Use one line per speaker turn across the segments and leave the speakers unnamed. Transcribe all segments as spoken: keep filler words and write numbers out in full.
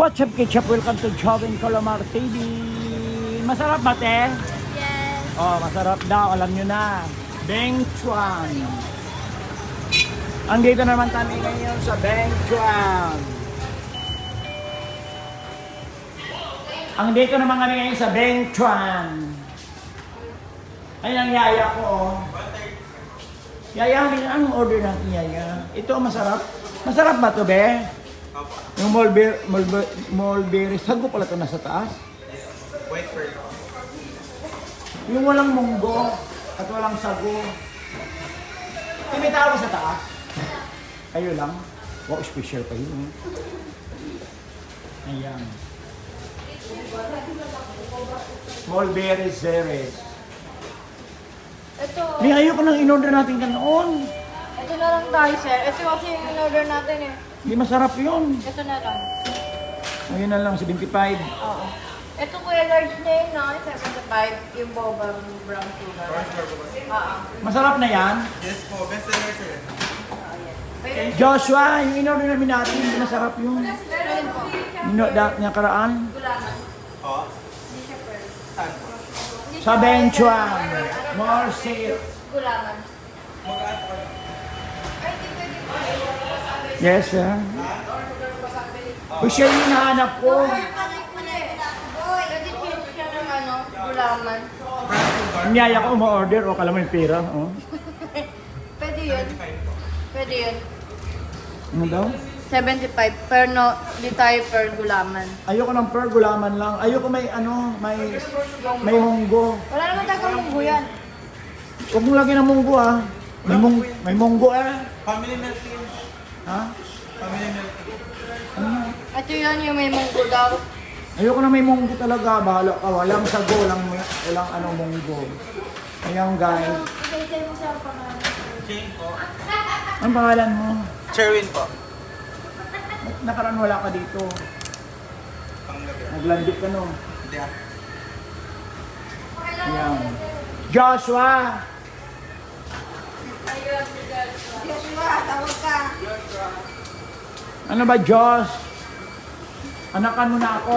What's up, Ketchup? Welcome to Jovin Colomar T V. Masarap ba, te?
Yes.
Oh, masarap daw. Alam nyo na. Beng Chuan. Andito naman kami ngayon sa Beng Chuan. Andito naman kami ngayon sa Beng Chuan. Ayun ang yaya ko, oh. Yaya, anong order ng yaya? Ito, masarap. Masarap ba to, be? Yung mulberry, mulberry, mulberry, sago pala ito nasa taas.
White pearl.
Yung walang munggo at walang sago. Eh, may tao ba sa taas? Kayo lang? Wow, special pa yun. Eh. Ayan. Mulberry Ceres.
Ito.
May ayoko nang in-order natin ganoon.
Ito na lang tayo, sir. Ito kasi yung in-order natin eh.
Hindi masarap yun.
Ito na lang.
Ayun na lang, seventy-five.
Oo. Ito kuya large na yun, no? seventy-five. Yung boba brown sugar. Oo.
Masarap na yan.
Yes po, best seller sir.
Oo, yan. Pero
Joshua, yung in-order namin natin, hindi masarap yun.
meron po.
Nino, da, niya karaan.
Gulaman.
Oh,
Hindi siya pearl.
saan po?
Hindi
Sa
siya
Benchuan.
pearl.
More sale.
Gulaman.
Mag-add po.
Ay, di pwede po.
Yes, sir. Uy, siya yung hinahanap ko.
Pwede change siya ng ano, gulaman.
Brown sugar.
Ang yaya ko ma-order o kala mo yung pera. Oh.
Pwede yun.
seventy-five po.
Pwede yun.
Ano daw?
seventy-five. Pero no, di tayo per gulaman.
Ayoko ng per gulaman lang. Ayoko may ano, may may munggo.
Wala naman tagang munggo yan.
Huwag mong lagyan ng munggo ah. May, mung, may munggo eh.
Family milk tea.
Ha?
Family milk tea.
Ano?
Ito yan yung may munggo daw.
Ayoko na may munggo talaga. Bahala ka. Walang sago, walang, walang ano munggo. Ayan guys.
Ibigay mo sa pangalan.
Jane po.
Anong pangalan mo?
Cherwin po.
Ba't nakaraan wala ka dito?
Panggabi.
Naglandik ka no?
Hindi ah.
Ayan. Joshua!
Joshua, tawag ka.
Ano ba, Josh? Anakan mo na ako.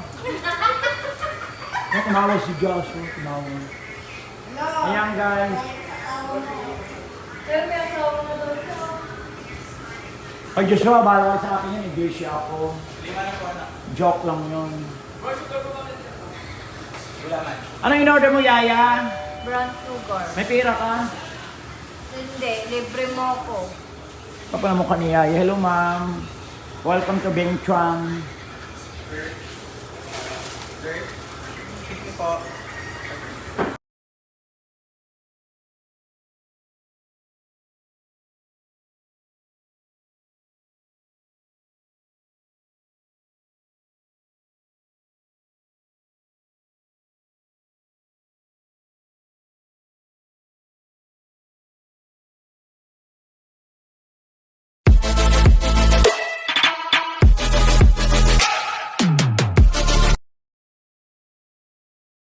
Ay, tumawag si Josh. Oh, tumawag. Ayan, guys.
Pero may asawa na daw siya.
Pag Joshua, bahala ka sa akin yan. Hindi siya ako.
Lima na po anak.
Joke lang yun.
Gulaman.
Anong in-order mo, Yaya?
Brown sugar.
May pera ka?
Hindi, libre mo ako.
Papalamukha ni Yaya. Hello, ma'am. Welcome to Beng Chuan.
Sir. Sir. Sige po.